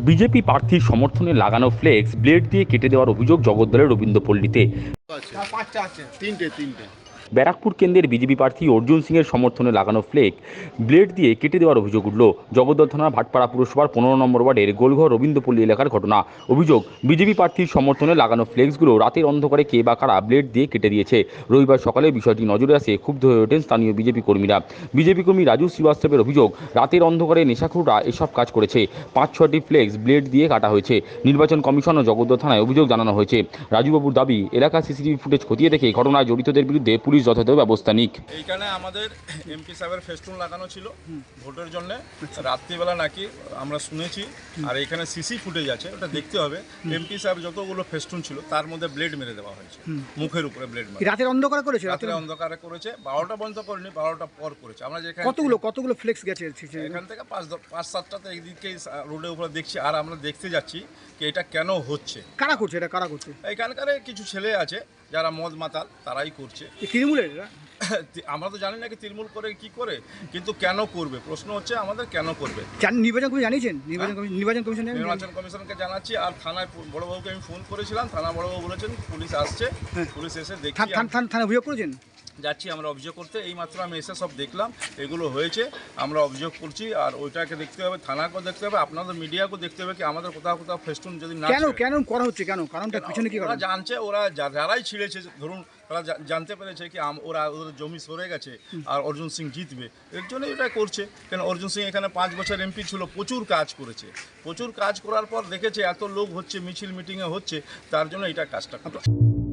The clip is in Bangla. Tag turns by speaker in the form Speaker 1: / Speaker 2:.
Speaker 1: বিজেপি প্রার্থীর সমর্থনে লাগানো ফ্লেক্স ব্লেড দিয়ে কেটে দেওয়ার অভিযোগ জগদ্দলের রবীন্দ্রপল্লীতে।
Speaker 2: তিনটে।
Speaker 1: ব্যারাকপুর কেন্দ্রের বিজেপি প্রার্থী অর্জুন সিংয়ের সমর্থনে লাগানো ফ্লেক ব্লেড দিয়ে কেটে দেওয়ার অভিযোগ উঠল। জগদ্দল থানার ভাটপাড়া পুরসভার 15 নম্বর ওয়ার্ডের গোলঘর রবীন্দ্রপল্লী এলাকার ঘটনা। অভিযোগ, বিজেপি প্রার্থীর সমর্থনে লাগানো ফ্লেক্সগুলো রাতের অন্ধকারে কে বা কারা ব্লেড দিয়ে কেটে দিয়েছে। রবিবার সকালে বিষয়টি নজরে আসে, ক্ষুব্ধ হয়ে ওঠেন স্থানীয় বিজেপি কর্মীরা। বিজেপি কর্মী রাজু শ্রীবাস্তবের অভিযোগ, রাতের অন্ধকারে নেশাখোররা এসব কাজ করেছে। 5-6টি ফ্লেক্স ব্লেড দিয়ে কাটা হয়েছে। নির্বাচন কমিশন ও জগদ্দল থানায় অভিযোগ জানানো হয়েছে। রাজুবাবুর দাবি, এলাকার সিসিটিভি ফুটেজ খতিয়ে দেখে ঘটনায় জড়িতদের বিরুদ্ধে পুলিশ যথাযথ ব্যবস্থা নিক।
Speaker 3: এইখানে আমাদের এমপি সাহেবের ফেস্টুন লাগানো ছিল ভোটের জন্য, রাত্রিবেলা নাকি আমরা শুনেছি। আর এখানে সিসি ফুটেজ আছে, ওটা দেখতে হবে। এমপি সাহেব যতগুলো ফেস্টুন ছিল তার মধ্যে ব্লেড মেরে দেওয়া হয়েছে, মুখের উপরে ব্লেড মেরে।
Speaker 4: রাতের অন্ধকার করেছে?
Speaker 3: রাতের অন্ধকারে করেছে, 12টা বন্ধ করেনি, 12টা পর করেছে। আমরা যেখানে
Speaker 4: কতগুলো ফ্লেক্স গেছে
Speaker 3: এখান থেকে 5-7টাতে এইদিকে রোডের উপরে দেখছি। আর আমরা দেখতে যাচ্ছি কি এটা কেন হচ্ছে,
Speaker 4: কারা করছে, এটা কারা করছে?
Speaker 3: এখানকার কিছু ছেলে আছে যারা মদ মাতাল, তারাই করছে।
Speaker 4: তৃণমূলের?
Speaker 3: আমরা তো জানি না কি তৃণমূল করে কি করে, কিন্তু কেন করবে, প্রশ্ন হচ্ছে আমাদের কেন করবে।
Speaker 4: নির্বাচন কমিশন জানিয়েছেন? নির্বাচন
Speaker 3: কমিশনকে জানাচ্ছি। আর থানায় বড়বাবুকে আমি ফোন করেছিলাম, থানা বড়বাবু বলেছেন পুলিশ আসছে, পুলিশ এসে দেখছি।
Speaker 4: থানা অভিযোগ করেছেন?
Speaker 3: যাচ্ছি আমরা অভিযোগ করতে, এই মাত্র আমি এসে সব দেখলাম এগুলো হয়েছে, আমরা অভিযোগ করছি। আর ওইটাকে দেখতে হবে, থানাকেও দেখতে হবে, আপনাদের মিডিয়াকেও দেখতে হবে কি আমাদের কোথাও কোথাও ফেস্টুন যদি না
Speaker 4: কেন করা হচ্ছে, কারণটা পিছনে কি
Speaker 3: ওরা জানছে, ওরা যারাই ছিঁড়েছে, ধরুন তারা জানতে পেরেছে কি ওরা ওদের জমি সরে গেছে আর অর্জুন সিং জিতবে, এর জন্যই এটা করছে। কেন অর্জুন সিং এখানে 5 বছর এমপি ছিল, প্রচুর কাজ করেছে। প্রচুর কাজ করার পর দেখেছে এত লোক হচ্ছে, মিছিল মিটিংয়ে হচ্ছে, তার জন্য এটা কাজটা করছে।